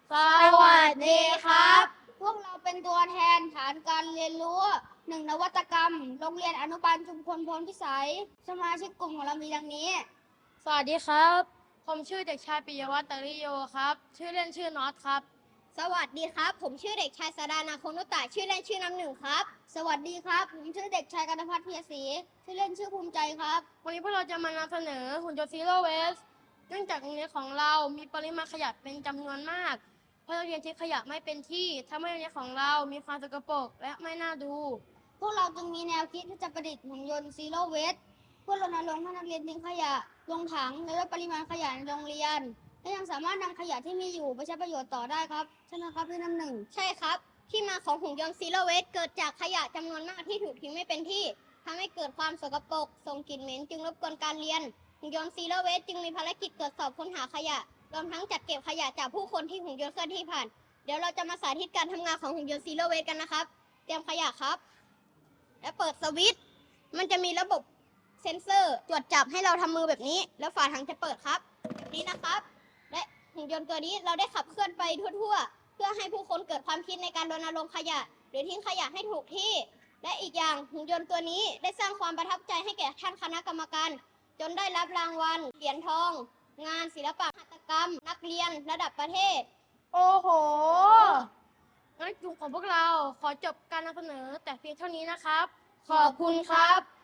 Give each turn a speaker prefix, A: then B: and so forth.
A: สวัสดีครับ
B: พวกเราเป็นตัวแทนฐานการเรียนรู้1 นวัตกรรมโรงเรียนอนุบาลชุมพลพลพิสัยสมาชิกกลุ่มของเรามีดังนี้
A: สวัสดีครับผมชื่อเด็กชายปิยวัฒน์ตริโยครับชื่อเล่นชื่อน็อตครับ
B: สวัสดีครับผมชื่อเด็กชายสดานาคนุตตะชื่อเล่นชื่อน้ำหนึ่งครับสวัสดีครับผมชื่อเด็กชายกนภัทรเพียรศรีชื่อเล่นชื่อภูมิใจครับ
A: วันนี้พวกเราจะมานำเสนอหุ่นยนต์ซีโร่เวสเนื่องจากโรงเรียนของเรามีปริมาณขยะเป็นจำนวนมากเพราะนักเรียนทิ้งขยะไม่เป็นที่ทำให้โรงเรียนของเรามีความสกปรกและไม่น่าดู
B: พวกเราจึงมีแนวคิดที่จะประดิษฐ์หุ่นยนต์ซีโร่เวสเพื่อรณรงค์ให้นักเรียนทิ้งขยะลงถังและลดปริมาณขยะในโรงเรียนและยังสามารถนำขยะที่มีอยู่ไปใช้ประโยชน์ต่อได้ครับใช่ไหมครับพี่น้ำหนึ่งใช่ครับที่มาของหุ่นยนต์ซีโร่เวสเกิดจากขยะจำนวนมากที่ถูกทิ้งไม่เป็นที่ทำให้เกิดความสกปรกส่งกลิ่นเหม็นจึงรบกวนการเรียนหุ่นยนต์ซีโร่เวสจึงมีภารกิจตรวจสอบค้นหาขยะรวมทั้งจัดเก็บขยะจากผู้คนที่หุ่นยนต์เคลื่อนที่ผ่านเดี๋ยวเราจะมาสาธิตการทำงานของหุ่นยนต์ซีโร่เวสกันนะครับเตรียมขยะครับและเปิดสวิตช์มันจะมีระบบเซ็นเซอร์ตรวจจับให้เราทำมือแบบนี้แล้วฝาถังจะเปิดครับแบบนี้นะครับและหุ่นยนต์ตัวนี้เราได้ขับเคลื่อนไปทั่วๆเพื่อให้ผู้คนเกิดความคิดในการรณรงค์ขยะหรือทิ้งขยะให้ถูกที่และอีกอย่างหุ่นยนต์ตัวนี้ได้สร้างความประทับใจให้แก่ท่านคณะกรรมการจนได้รับรางวัลเหรียญทองงานศิลปะหัตถกรรมนักเรียนระดับประเทศ
A: โอ้โหงั้นกลุ่มของพวกเราขอจบการนำเสนอแต่เพียงเท่านี้นะครับ
B: ขอบคุณครับ